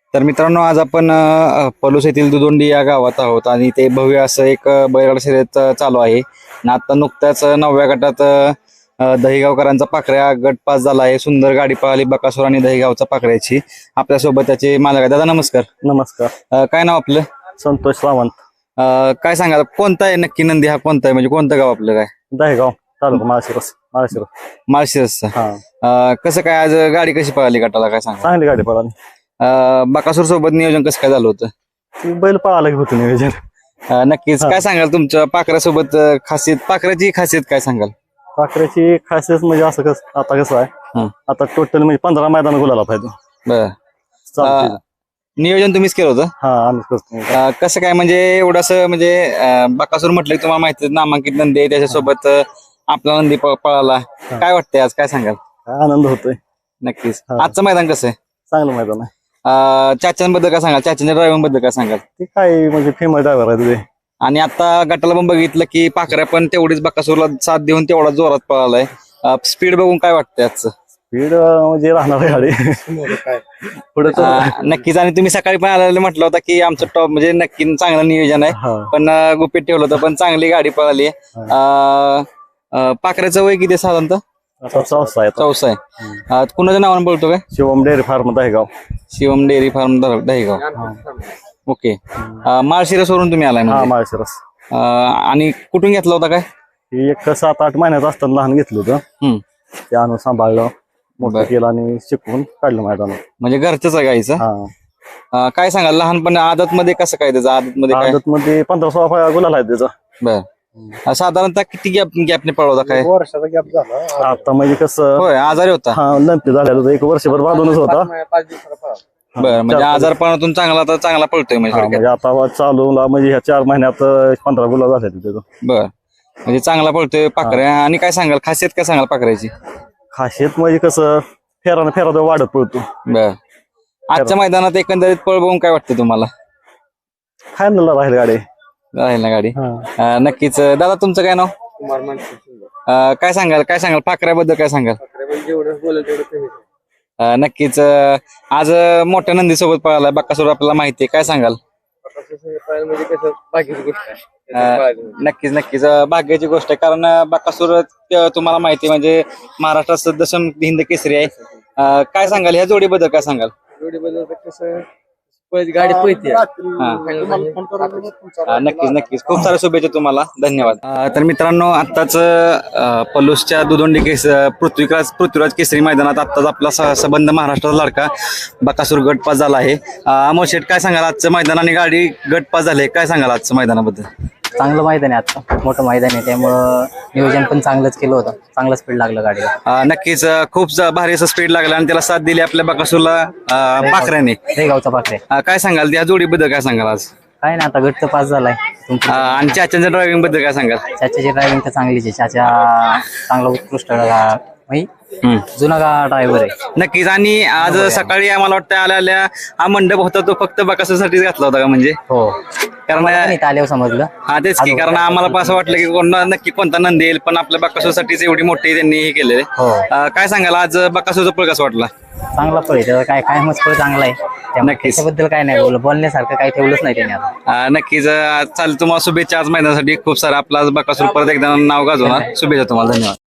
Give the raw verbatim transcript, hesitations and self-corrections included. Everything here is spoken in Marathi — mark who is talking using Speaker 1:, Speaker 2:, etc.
Speaker 1: तर मित्रांनो आज आपण अ, पलूस येथील दुदोंडी या गावात आहोत आणि ते भव्य असं एक अ, बैलगाडा शर्यत अ, चालू आहे आणि आता नुकत्याच अ, नवव्या गटात अ, अ, दहीगावकरांचा पाखऱ्या गट पास झाला आहे. सुंदर गाडी पळाली बकासूर आणि दहीगावचा पाखऱ्याची. आपल्यासोबत त्याचे मालक आहे. दादा नमस्कार.
Speaker 2: नमस्कार.
Speaker 1: अ, काय नाव आपलं?
Speaker 2: संतोष सावंत.
Speaker 1: अ, काय सांगाल कोणता आहे नक्की नंदी हा कोणता आहे म्हणजे कोणतं गाव आपलं काय?
Speaker 2: दहेगाव तालुका माळशिरस. माळशिरस.
Speaker 1: माळशिरसचा.
Speaker 2: हा
Speaker 1: अ, कसं काय आज गाडी कशी पळाली गटाला काय सांगा?
Speaker 2: चांगली गाडी पळाली.
Speaker 1: बकासूर सोबत नियोजन कसं काय झालं होतं?
Speaker 2: ती बैल पळायला होतं नियोजन.
Speaker 1: अ, नक्कीच
Speaker 2: हा.
Speaker 1: काय सांगाल तुमच्या पाखऱ्यासोबत अ, खासियत पाखऱ्याची खासियत काय सांगाल?
Speaker 2: पाखऱ्याची खासियत म्हणजे असं कसं आता कसं आहे
Speaker 1: हं.
Speaker 2: आता टोटल म्हणजे पंधरा मैदान गुलाला पाहिजे.
Speaker 1: बर
Speaker 2: चालतंय.
Speaker 1: नियोजन तुम्हीच केलं होतं?
Speaker 2: हा आम्ही करतो.
Speaker 1: अ, कसं काय म्हणजे एवढंसं म्हणजे अ, बकासूर म्हटलं की तुम्हाला माहिती आहे, नामांकित नंदी आहे त्याच्यासोबत अ, आपला नंदी प- पळाला. काय वाटतंय आज काय सांगाल?
Speaker 2: काय आनंद होतोय.
Speaker 1: नक्कीच
Speaker 2: हा.
Speaker 1: आजचं मैदान कसं आहे?
Speaker 2: चांगलं मैदान आहे.
Speaker 1: अ, चाच्यांबद्दल काय सांगाल? चाच्यांच्या ड्रायव्हिंग बद्दल काय सांगाल?
Speaker 2: ते काय म्हणजे फेमस ड्रायव्हर आहे ते.
Speaker 1: आणि आता गटाला पण बघितलं की पाखऱ्या पण तेवढीच बकासूरला साथ देऊन तेवढा जोरात पळालाय. स्पीड बघून काय वाटतंय आजचं?
Speaker 2: स्पीड म्हणजे राहणार आहे गाडी पुढे तर
Speaker 1: अ, नक्कीच. आणि तुम्ही सकाळी पण आलेले म्हटलं होतं की आमचं टॉप म्हणजे नक्की चांगलं नियोजन आहे
Speaker 2: हा.
Speaker 1: पण अ, गुपित ठेवलं होतं पण चांगली गाडी पळाली. अ, अ, पाखऱ्याचं वय किती आहे साधारणतः?
Speaker 2: आता चौसा आहे आता.
Speaker 1: चौसा आहे. अ, कुणाच्या नावानं बोलतो काय?
Speaker 2: Shivam dairy farm Dahegaon.
Speaker 1: Shivam dairy farm द- दहीगाव. ओके. अ, माळशिरसवरून तुम्ही आलाय
Speaker 2: हा
Speaker 1: म्हणजे
Speaker 2: माळशिरस.
Speaker 1: अ, आणि कुठून घेतला होता काय?
Speaker 2: ही एक सात आठ महिन्यात असताना लहान घेतलं होतं.
Speaker 1: हम्म.
Speaker 2: ते आणून सांभाळलं मोठं
Speaker 1: बरं.
Speaker 2: केलं आणि शिकवून काढलं मैदानात.
Speaker 1: म्हणजे घरचंच आहे गाईचं.
Speaker 2: हा
Speaker 1: अ, काय सांगाल लहानपणी आदत मध्ये कसं काय त्याचं आदत मध्ये काय?
Speaker 2: आदत मध्ये पंधरा सोळा फळा गुलाल आहे त्याचा.
Speaker 1: बर. अ, साधारणतः किती गॅप गॅपने पळवता काय?
Speaker 2: वर्षाचा गॅप झाला आता म्हणजे कसं
Speaker 1: होय आजारी होता.
Speaker 2: हा नंतर झालेलं होतं एक वर्षभर बांधूनच होता. हा,
Speaker 1: बरं म्हणजे
Speaker 2: चार-
Speaker 1: आजारपणातून चांगला तर चांगला पळतोय म्हणजे
Speaker 2: हा,
Speaker 1: थोडक्यात.
Speaker 2: म्हणजे आता चालू म्हणजे ह्या चार महिन्यात अं, पंधरा गुलाल झाले त्याचं.
Speaker 1: बर म्हणजे चांगला पळतोय पाखऱ्या. आणि काय सांगाल खासियत काय सांगाल पाखऱ्याची?
Speaker 2: खासियत म्हणजे कसं फेरानं फेरा तो वाढत पडतो.
Speaker 1: बर. आजच्या मैदानात एकंदरीत पळ बघून काय वाटतं तुम्हाला?
Speaker 2: फायनलला राहील गाडी.
Speaker 1: राहील ना गाडी?
Speaker 2: हा.
Speaker 1: अ, नक्कीच. दादा तुमचं काय नाव? अ, काय सांगाल काय सांगाल पाखऱ्याबद्दल काय सांगाल? अ, नक्कीच. अ, आज अ, मोठ्या नंदी सोबत पळाला बकासूर आपल्याला माहिती आहे काय सांगाल? अ, नक्कीच नक्कीच अ, भाग्याची गोष्ट आहे कारण अ, बकासूर अ, तुम्हाला माहिती आहे म्हणजे महाराष्ट्रात दशम हिंद केसरी आहे. अ, काय सांगाल ह्या जोडीबद्दल काय सांगाल?
Speaker 3: गाडी पळते.
Speaker 1: अ, नक्कीच नक्कीच खूप साऱ्या शुभेच्छा तुम्हाला. धन्यवाद. अ, तर मित्रांनो आत्ताच अ, पलूसच्या दुदोंडी केस अ, पृथ्वीराज पृथ्वीराज केसरी मैदानात आत्ताच आपला स- संबंध महाराष्ट्राचा लाडका बकासूर गट पास झाला आहे. अ, अमोल शेठ काय सांगाल आजचं मैदान आणि गाडी गट पास झाले काय सांगाल आजचं मैदानाबद्दल?
Speaker 3: चांगलं मैदान आहे आता मोठं मैदान आहे त्यामुळं नियोजन पण चांगलंच केलं होतं. चांगलं स्पीड लागलं गाडीला.
Speaker 1: अ, नक्कीच अ, खूप ज- भारी असं स्पीड लागलं आणि त्याला साथ दिली आपल्या बकासूरला अ, पाखऱ्याने.
Speaker 3: हे गावचा पाखरे
Speaker 1: अ, काय सांगाल त्या जोडीबद्दल काय सांगाल आज?
Speaker 3: काय ना आता गटचं पास झालाय.
Speaker 1: अ,
Speaker 3: तुमची
Speaker 1: आणि चाच्यांच्या ड्रायव्हिंग बद्दल काय सांगाल?
Speaker 3: चाच्याची ड्रायव्हिंग तर चांगलीच आहे. चाचा चांगला उत्कृष्ट गा- म्हणजे
Speaker 1: हम्म.
Speaker 3: जुना गा ड्रायव्हर आहे.
Speaker 1: नक्कीच. आणि आज सकाळी आम्हाला वाटतं आल्या आल्या हा मंडप होता तो फक्त बकासूरसाठीच घातला होता का म्हणजे?
Speaker 3: हो
Speaker 1: कारण
Speaker 3: मला पण इथं आल्यावर समजलं.
Speaker 1: हा तेच की कारण आम्हाला पण असं वाटलं की कोण नक्की कोणता नंदी येईल पण आपल्या बकासूरसाठीच एवढी मोठी त्यांनी हे केलेलं
Speaker 3: हो
Speaker 1: आहे. काय सांगाल आज बकासूरचा पळ कसं वाटला?
Speaker 3: चांगला पळ आहे. त्याचा काय काय मस्त पळ चांगला आहे. त्यामुळे
Speaker 1: नक्कीच.
Speaker 3: त्याच्याबद्दल काय नाही बोल बोलण्यासारखं काही ठेवलंच नाही त्याने आता.
Speaker 1: अ, नक्कीच. अ, चालेल तुम्हाला शुभेच्छा आज मैदानासाठी खूप सारं आपला आज बकासूर परत एकदा नाव गाजवणार. शुभेच्छा तुम्हाला. धन्यवाद.